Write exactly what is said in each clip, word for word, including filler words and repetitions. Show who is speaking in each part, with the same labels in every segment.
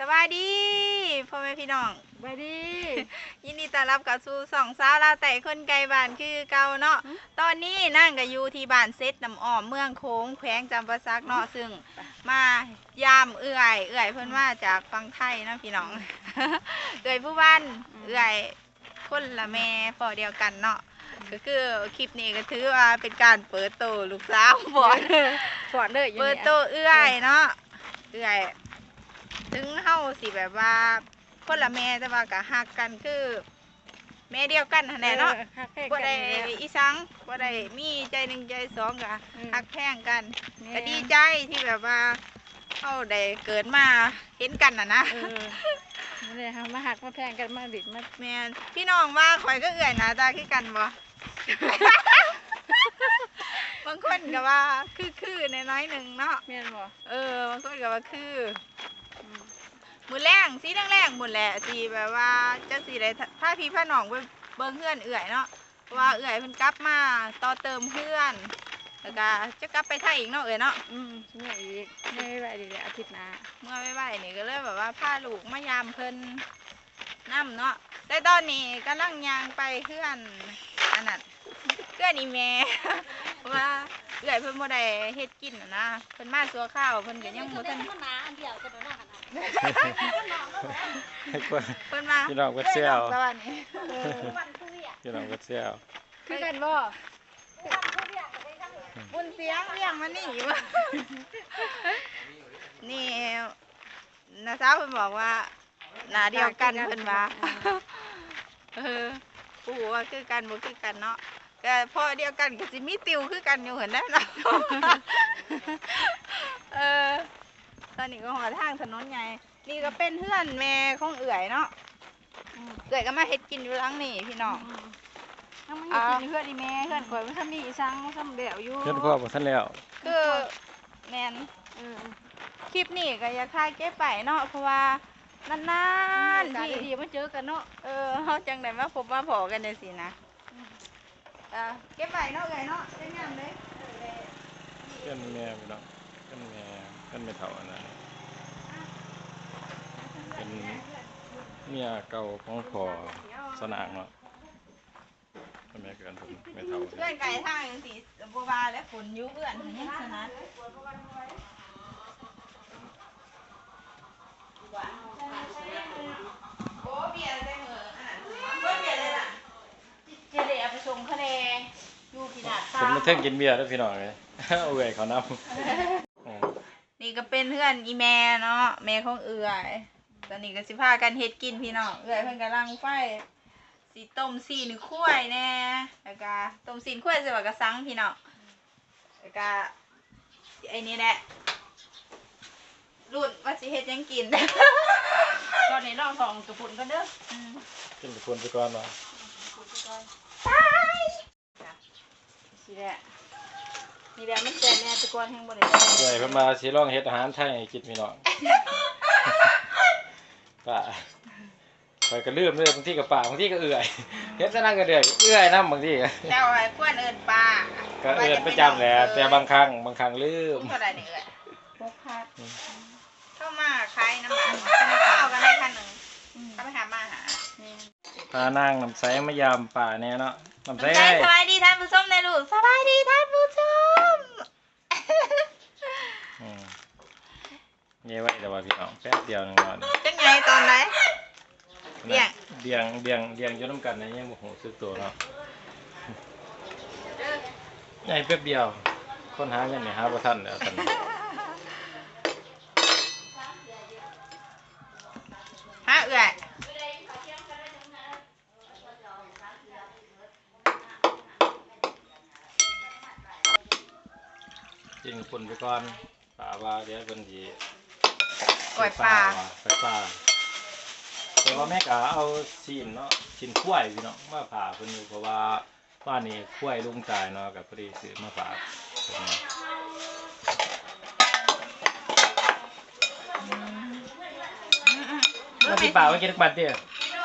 Speaker 1: บายดีพ่อแม่พี่น้อง
Speaker 2: สบายดี
Speaker 1: ยินดีต้อนรับกับสู่สองสาวลาวแต่คนไกลบ้านคือเก่าเนาะตอนนี้นั่งกับอยู่ที่บ้านเซตน้ำอ้อมเมืองโค้งแขวงจำปาสักเนาะซึ่งมายามเอื่อยเอื่อยเพิ่นมาจากฟังไทยนะพี่น้องเอื่อยผู้บ้านเอื่อยคนละแม่พ่อเดียวกันเนาะก็คือคลิปนี้ก็ถือว่าเป็นการเปิดโตลูกสาวบอด
Speaker 2: สอนเลย
Speaker 1: เปิดโตเอื่อยเนาะเอื่อยถึงเฮาสิแบบว่าคนละแม่แต่ว่าก็ฮักกันคือแม่เดียวกันนั่นแหละเนาะบ่ได้อีสังบ่ได้มีใจหนึ่งใจสองก็ฮักแพงกันก็ดีใจที่แบบว่าเฮาได้เกิดมาเห็นกันน่ะนะ
Speaker 2: นี่เลยมาหักมาแพงกันมาดิดมา
Speaker 1: แม่นพี่น้องว่าข่อยก็เอื่อยหน้าตาคือกันบ่ บางคนก็ว่าคือๆน้อยๆนึงเนาะ
Speaker 2: แม่นบ่
Speaker 1: เออบางคนก็ว่าคือมือแรงสีแรงๆหมดแหละสีแบบว่าจะสีได้ถ้าพี่พ่อน้องไปเบิ้งเพื่อนเอื่อยเนาะว่าเอื่อยเพิ่นกลับมาต่อเติมเพื่อนแล้วก็จะกลับไปไทยอีกเนาะเอื่อยเนาะ
Speaker 2: อืมเมื่ออีกไม่ไหวดีเลยอาทิตย์หน้า
Speaker 1: เมื่อไม่ไหวนี่ก็เลยแบบว่าพาลูกมายามเพิ่นน้ำเนาะแต่ตอนนี้กำลังยางไปเพื่อนอันนั้นเพื่อนอีเมว่าเอื่อยเพิ่นบ่ได้เฮ็ดกินนะเพิ่นมาสัวข้าวเพิ่นก็ยังบ่ทันเพิ่นมา
Speaker 3: พี่น้องก็เซี่ยวพี่น้องก็เซี่ยว
Speaker 2: คือกันบ่
Speaker 1: บุญเสียงเรียงมานี่วะนี่น้าสาวเพิ่นบอกว่าหน้าเดียวกันเพิ่นว่าเออปู่ว่าคือกันบ่คือกันเนาะแต่พอเดียวกันก็สิมีติวคือกันอยู่เห็นได้เนาะเออตอนนี้ก็หอทางถนนใหญ่นี่ก็เป็นเพื่อนแม่ของเอื่อยเนาะเอื่อยก็มาเฮ็ดกินอยู่หลังนี่พี่น้อง
Speaker 2: ยังไม่กินเพื่อนอีแม่เพื่อนข่อยมันทำมีอีสังมันทำเดี่ยวอยู่
Speaker 3: เพื่อนพ่อบ่ทันแล้ว
Speaker 1: คือแมนคลิปนี้ก็อยากถ่ายเก็บไปเนาะเพราะว่านานๆที่
Speaker 2: ดีมาเจอกันเนาะ
Speaker 1: เออเฮาจังได๋มาพบมาพอกันจังซี่นะเออเก็บไปเนาะเอ้ยเนาะเป็นงามเด้
Speaker 3: เพื่อนแม่พี่น้องเพื่อนแม่เพื่อนแม่เฒ่าอันนั้นเป็นเมียเก่าของพ่อสนางเนาะแม่เกินผมแม่เฒ่า
Speaker 1: เพื่อนไก่ทางจังซี่บ่ว่าแล้วฝนอยู่เอื้อนยังสนัดโอ้เบียร์ได้เหมืออันนั้นเบิ่เบียร์เลยล่ะเจเดเอาไปส่งคะแนนอยู่ที่หน้าตา
Speaker 3: ผมมาเทิงกินเบียร์ด้วยพี่น้องเลยเอาเอื่อยเขาน
Speaker 1: ำนี่ก็เป็นเพื่อนอีแม่เนาะแม่ของเอื่อยตอนนี้ก็สิพากันเฮ็ดกินพี่น้องเอื่อยเพิ่นกำลังไฟสีต้มซีนข้วยแน่แล้วก็ต้มซีนข้วยใส่บักกะสังพี่น้องแล้วก็ไอ้นี่แหละรุ่นว่าสิเฮ็ดยังกิน
Speaker 2: ตอนนี้น้องสองกระปุ่นกันเด้อ
Speaker 3: กินไปคนไปก่อนเนาะ
Speaker 1: ตาย
Speaker 2: สิแหละนี่แหละมันแซ่บแน่ตะกอนแห้งบ่ได้
Speaker 3: เอื่อยเพิ่นมาสิลองเฮ็ดอาหารไทยให้กินพี่น้องป้าไปก็ลืมเลยบางทีก็ป่าบางทีก็เอื่อยเฮ็ดซะนั่งก็เดือยเอื่อยนำบางทีก็
Speaker 1: แต่ว่าควรเอิ้นป้า
Speaker 3: ก็เอิ้นประจำแหละแต่บางครั้งบางครั้งลืม
Speaker 1: เท่าใดนี่เอ้ยหกพันเข้ามาขายน้ำมันข้าวกันได้คันนึงถ้าไปหามาหา
Speaker 3: พานางน้ำใสมายามป่าแน่เนาะน้ำใส
Speaker 1: สบายดีท่านผู้ชมในลูกสบายดีท่านผู้ชม
Speaker 3: อืมเย้ไว้แต่ว่าพี่น้องแป๊บเดียวนึงเนาะ
Speaker 1: จังไงตอนไหน
Speaker 3: เบี่ยงเบี่ยงเบี่ยงเบี่ยงอยู่น้ำกันนะยังบ่ฮู้สึกตัวเนาะใหญ่แป๊บเดียวคนหาเงินนี่หาบ่ทันแล้วตอนนี้
Speaker 1: ฮะเอื้อย
Speaker 3: จริงคนไปก่อนป่าว่าเดี๋ยวเพิ่นสิ
Speaker 1: ปล่อยปลา
Speaker 3: ปล่อยปลาแต่ว่าแม่ก็เอาชิ้นเนาะชิ้นข้วยพี่น้องมาผ่าเพิ่นอยู่เพราะว่าบ้านนี้ข้วยลุงตายเนาะก็พอดีซื้อมาฝากเพิ่นแล้วพี่ป่าว่ากินทุกบัดเด้อ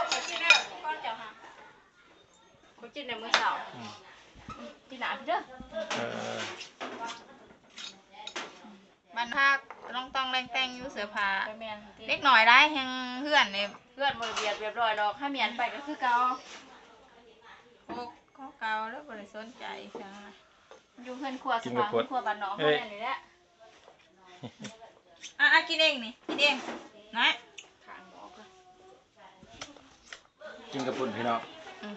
Speaker 2: กูกินในมื้อเช้ากินหนาพี่เด้อเออ
Speaker 1: มันพักต้องต้องแรงแต่งอยู่เสื้อผ้าเด็กกหน่อยได้แฮงเพื่อนเนี่ย
Speaker 2: เพื่อนบ่เบียดเรียบร้อยดอกถ้าเมียนไปก็คือเก่า
Speaker 1: พวกข้อเก่าแล้วบริสนใจจังนะ
Speaker 2: อยู่เพื่อนครัวสภาเพื่อนครัวบ้านน้องเฮาเนี่ยนี่แหละ
Speaker 1: อ่ะอ่ะกินเองนี่กินเองน้อย
Speaker 2: ข้างหมอก็
Speaker 3: กินกระปุ่นพี่น้อง
Speaker 1: อืม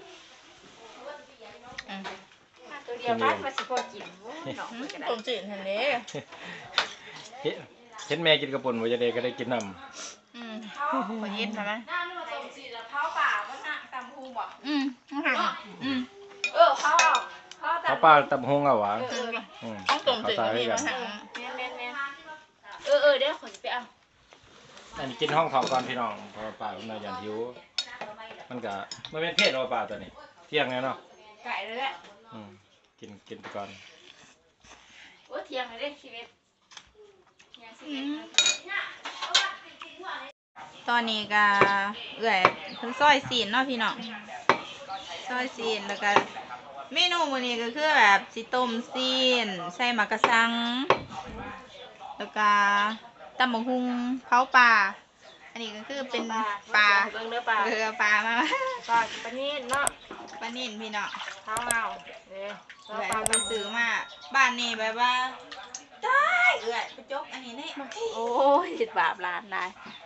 Speaker 2: มาตัวเดียวพักมาสิพอกินโอ้ยน้อง
Speaker 1: อื
Speaker 2: เพิ่
Speaker 1: ม
Speaker 2: นก็ได้
Speaker 1: ผมจืดทันเด้
Speaker 3: เฮ็ดเห็นแม่กินกระปุ่นบ่จะได้ก็ได้กินน้
Speaker 1: อืมขอเย็นใช่ไหม
Speaker 2: น้ำมันต้มสิแล้วเผาป่าบ่น่ะตำฮูบ่
Speaker 1: อืมอืม
Speaker 2: เออเผาเอาเผา
Speaker 3: ำ
Speaker 2: ตำ
Speaker 3: เขาปลาตำหงเอาหวาน
Speaker 1: อืม
Speaker 3: อืม
Speaker 1: ต้องต้ม
Speaker 3: เขา
Speaker 1: จืด
Speaker 3: ตาย
Speaker 1: พี่
Speaker 3: กั
Speaker 1: มาน สั่ง
Speaker 2: แม่นๆเออเออเดี๋ยวขอสิไปเอา
Speaker 3: อันนี้กินห้องทองก่อนพี่น้องเพราะว่าปลามันน่าอย่างหิวมันก็มันเป็นเพศของปลาตัวนี้เที่ยงแล้วเนาะ
Speaker 2: ไก่เลยแหละ
Speaker 3: อืมกินกินไปก่อน
Speaker 2: โอ้เที่ยงเลยเด้ชีวิตยังสิเอ็ดนาที
Speaker 1: ตอนนี้ก็เอื่อยเพิ่นซอยซีนเนาะพี่น้องซอยซีนแล้วก็เมนูมื้อนี้ก็คือแบบสิต้มซีนใส่หมักกะสัง แล้วก็ตำบักหุ่งเผาปลาอันนี้ก็คือเป็นปลา
Speaker 2: เบิ่งเด้อปลา
Speaker 1: เรือปลามา
Speaker 2: ปลาปลานิ่นเนาะ
Speaker 1: ปลานิ่นพี่น้อง
Speaker 2: เท้าเอาเด้อ
Speaker 1: เอื่อยเอาไปซื้อมาบ้านนี้แบบว่าได้เอื่อยไปจกอันนี้นี่
Speaker 2: โอ้ยสิบบาปล้านได้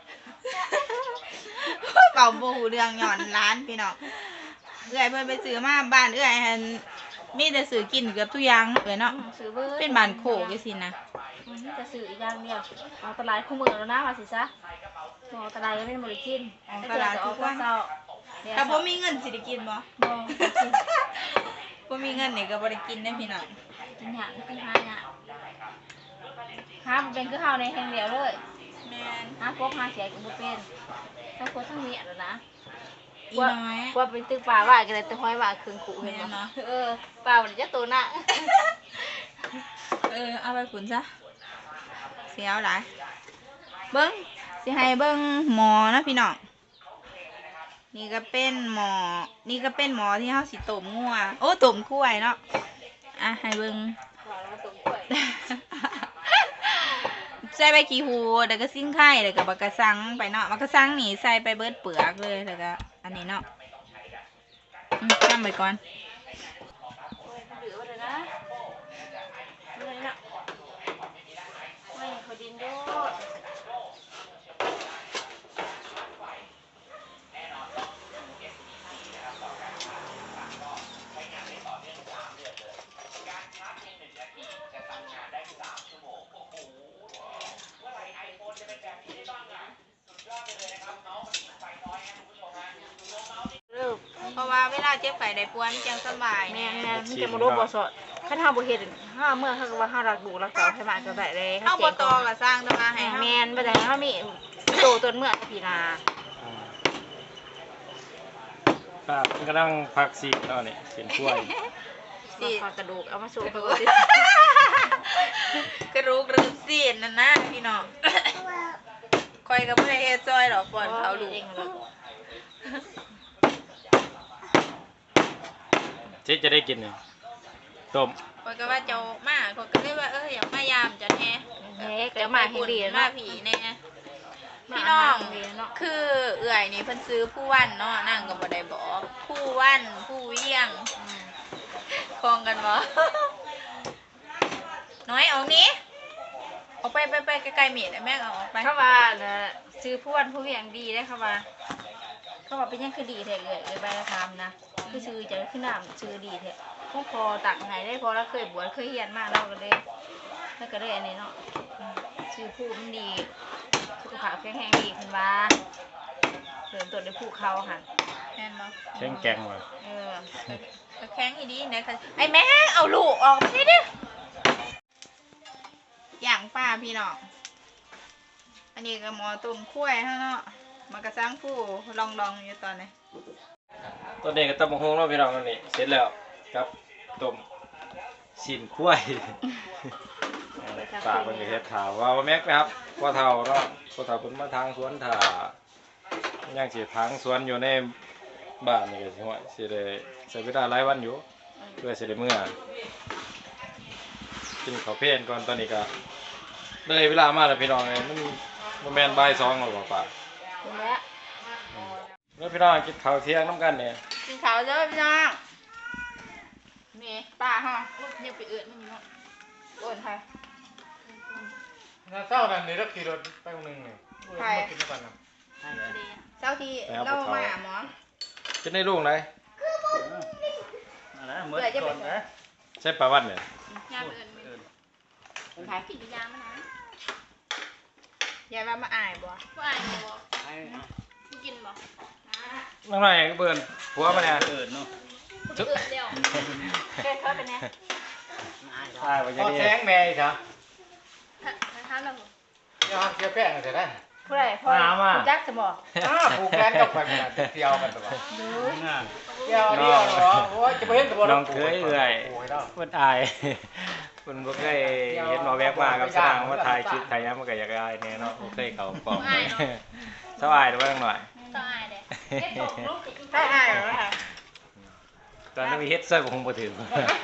Speaker 1: เป่าบูเรื่องหย่อนร้านพี่น้องเอื่อยเพิ่นไปซื้อมาบ้านเอื่อยหันมีแต่ซื้อกินเกือบทุกอย่างเอื่อยเนาะ
Speaker 2: ซื้อเบิ่ง
Speaker 1: เป็นบ้านโขกจังซี่นะ
Speaker 2: มันจะซื้ออีกอย่างเดียวเอาตลาดคู่มือแล้วนะว่าสิซะเอาตลาดก็เป็นบ่ได้กินตลาดก็เอาเช้า
Speaker 1: ถ้าบ่มีเงินสิได้กินบ่
Speaker 2: บ่
Speaker 1: บ่มีเงินนี่ก็บ่ได้กินได้อพี่น้อง
Speaker 2: กินหยังกินหาหยังหาบ่เป็นคือเฮาในแห่งเดียวเลย
Speaker 1: แม่น
Speaker 2: หากบหาเสียก็บ่เป็นทั้งคนทั้งเมียแล้วนะ
Speaker 1: อีน้อย
Speaker 2: ว่าเป็นตึกป่าว่าก็ได้แต่ห้อยว่าครึ่งขู่เห็น
Speaker 1: แม่น
Speaker 2: บ่
Speaker 1: เนาะ
Speaker 2: เออป่าบ่ได้จักตัวน่ะ
Speaker 1: เออเอาไปขุนซะเสียวหลายเบิ้งสิให้เบิ้งหมอนะพี่น้องนี่ก็เป็นหมอนี่ก็เป็นหมอที่เฮาสิต้มงัวโอ้ต้มกล้วยเนาะอ่ะให้เบิ้ง
Speaker 2: ว่าแล้วตรงกล้วย
Speaker 1: ใส่ใบขี้หูดแล้วก็ซิ่งไข่แล้วก็บักกะสังไปเนาะบักกะสังนี่ใส่ไปเบิดเปลือกเลยแล้วก็อันนี้เนาะอืมทำไปก่อน
Speaker 2: โอ้ยดื้อว่าเด้อนะเมื่อยน่ะไม่เขาดินโดด
Speaker 1: เพราะว่าเวลาเจ็บไข้ได้ป่วยมันจังสบาย
Speaker 2: แม่
Speaker 1: แน่
Speaker 2: นๆมันจะมารู้บ่สดคันเฮาบ่เฮ็ดเฮาเมื่อเฮาก็ว่าเฮารักลูกรักเต้าให้มากก็ได้เลย
Speaker 1: เฮาบ่ตอก็สร้างแต่ว่าให้เฮา
Speaker 2: แม่นบ่ได้เฮามีโตตนเมื่อพี่นา
Speaker 3: อืมปลามันกำลังพักซีกเนาะนี่เสียนกล้วย
Speaker 1: สิ
Speaker 2: ฝากกระดูกเอามาสู่เขา
Speaker 1: กระรูกรึกซีนนั่นนะพี่น้องคอยกับบ่ได้เฮ็ดซอยหรอกก่อนเขาลูก
Speaker 2: เองแล้ว
Speaker 3: เจ๊จะได้กินนี่ต้ม
Speaker 1: คอยก็ว่าเจ้ามาคอยก็เลยว่าเอออยากมายามจันแฮ
Speaker 2: เฮ้เดี๋ยวมาให้ดี
Speaker 1: มา
Speaker 2: เนาะ
Speaker 1: ผีแน่พี่น้องคือเอื่อยนี่เพิ่นซื้อผู้วันเนาะนั่งก็บ่ได้บอกผู้วันผู้เวียงคลองกันบ่ น้อยออกนี้ออกไปไปไปไกลๆเมียดแม่งเอาออกไป
Speaker 2: เขาว่าน่ะซื้อผู้วันผู้เวียงดีได้เขาว่าเขาว่าเป็นยังคือดีแท้เอ่ยเอ่ยใบละคำนะคือชื่อจะขึ้นน้ำชื่อดีแท้พวกพอตักให้ได้พอแล้วเคยบวชเคยเฮียนมากเราก็เลยแล้วก็เลยอันนี้เนาะชื่อผู้มันดีสุขภาพแข็งแรงดีขึ้นมาเริ่มต้นด้วยผู้เขาค่ะ
Speaker 1: แม่นบ่
Speaker 3: แข็งแกงว่ะ
Speaker 2: เออ
Speaker 1: ก็แข็งอีดีนะค่ะไอ้แม่งเอาลูกออกไปดิดิอย่างป้าพี่น้องอันนี้ก็หมอตุ่มข้วยฮะเนาะมันก็สร้างผู้ลองลองอยู่ตอนนี้
Speaker 3: ตัวนี้ก็ตำบักหุ่งเนาะพี่น้องนั่นนี่เสร็จแล้วครับต้มชิ้นกล้วย ปากมันก็เฮ็ดถาวว่าว่าแม็กนะครับพ่อเฒ่าเนาะพ่อเฒ่าเพิ่นมาทางสวนถ่ายังสิทางสวนอยู่ในบ้านนี่ก็สิว่าสิได้ใช้เวลาหลายวันอยู่เพื่อสิได้มื้อกินข้าวเพลนก่อนตอนนี้ก็เลยเวลามาแล้วพี่น้องเอ้ยมันบ่แม่นบ่ายสองหรอกบ่ป่า
Speaker 2: ถึงแล้ว
Speaker 3: แล้วพี่น้องกินข้าวเที่ยงน้ำกันเนี่ย
Speaker 1: กินข้าวเด้อพี่น้องนี่ป้าฮะเนี่ยไปเอื้อนมันอยู่เนาะเอื้อนใคร
Speaker 4: น่าเศร้านั่นนี่เราขี่รถไปคนหนึงนี่มากินด้วยกันนะ
Speaker 1: เจ้าที่เล่ามาหมอ
Speaker 3: จะได้ลูกไหน
Speaker 4: อะไรเหมือนก่อนนะ
Speaker 3: ใช่ปลาวันเนี่ย
Speaker 1: ยาเอื้อนเป็นขายกินยามานะยายว่ามาอายบ่
Speaker 5: ผู้อ่านบ่ผู้กินบ่
Speaker 3: น้องหน่อยก็เบิ่นผัวมาเนี่ย
Speaker 4: เกิดเนาะ
Speaker 5: ผู้อื่นเดียว
Speaker 1: แค่เขาเป็นไง
Speaker 3: ใช่ว่าจะ
Speaker 4: พอ
Speaker 3: นี่
Speaker 4: แซงแม่อีกจ้ะ
Speaker 5: ถามเราบ่
Speaker 4: เดี๋ยวเกี่ยวแป้งเสร็จแล้ว
Speaker 2: ผู้ใดพ่อผู้จักสมอ
Speaker 4: อ้าผูกแขนกับไปมันเที่ยวกันตัว
Speaker 2: ดู
Speaker 4: เที่ยวเที่ยวเหรอโอ้ยจะไปเห็นตัว
Speaker 3: น้องเคยเอื่อย
Speaker 4: โอ้ยแล้ว
Speaker 3: เพิ่นอายเพิ่นบ่เคยเห็นหมอแวกมากับสร้างว่าถ่ายคลิปถ่ายหยังมันก็อยากอายแน่เนาะบ่เคยเข้ากล่องสบายหรือว่าจังหน่อย
Speaker 5: ต้องอายเด้เฮ็ดตกลูกติด
Speaker 1: ได้อายเหรอคะ
Speaker 3: ตอนนั้นมีเฮ็ดเสื้อก็คงบ่ถึง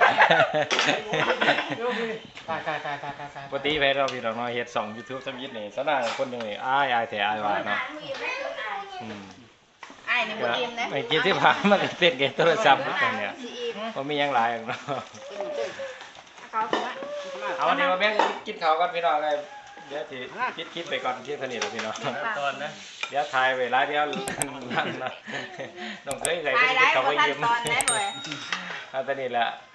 Speaker 4: ตายตายตายตายตายตาย
Speaker 3: ปกติไปเราพี่น้องน้อยเฮ็ดสอง YouTube สมิธนี่สนางคนหนึงนี่อายอายแท้อายว่าเนาะอืม
Speaker 1: อายนี่บ่อิ่มนะ
Speaker 3: ไอ้กินที่ผ่านมันก็เต้นเกมโทรศัพท์กันเนี่ย
Speaker 1: สิอิ่ม
Speaker 3: บ่มีหยังหลายหรอกเนาะ
Speaker 1: เขาถือว่า
Speaker 3: เอาเดี๋ยวมาแม่งกินข้าวก่อนพี่น้องเลยเดี๋ยวสิคิดคลิปไปก่อนเที่ยงเท่านี้แหล้วพี่น้อง
Speaker 4: ตอนนะ
Speaker 3: เดี๋ยวถ่ายเวลาเดี๋ยวนั่นนะน้องเคยใส่
Speaker 1: ตาย
Speaker 3: ไป
Speaker 1: ได้
Speaker 3: กินข้าว
Speaker 1: บ่
Speaker 3: ไป
Speaker 1: ทัน
Speaker 3: ยืม
Speaker 1: ตอนได้บ่
Speaker 3: เอาตอนนี้แหละ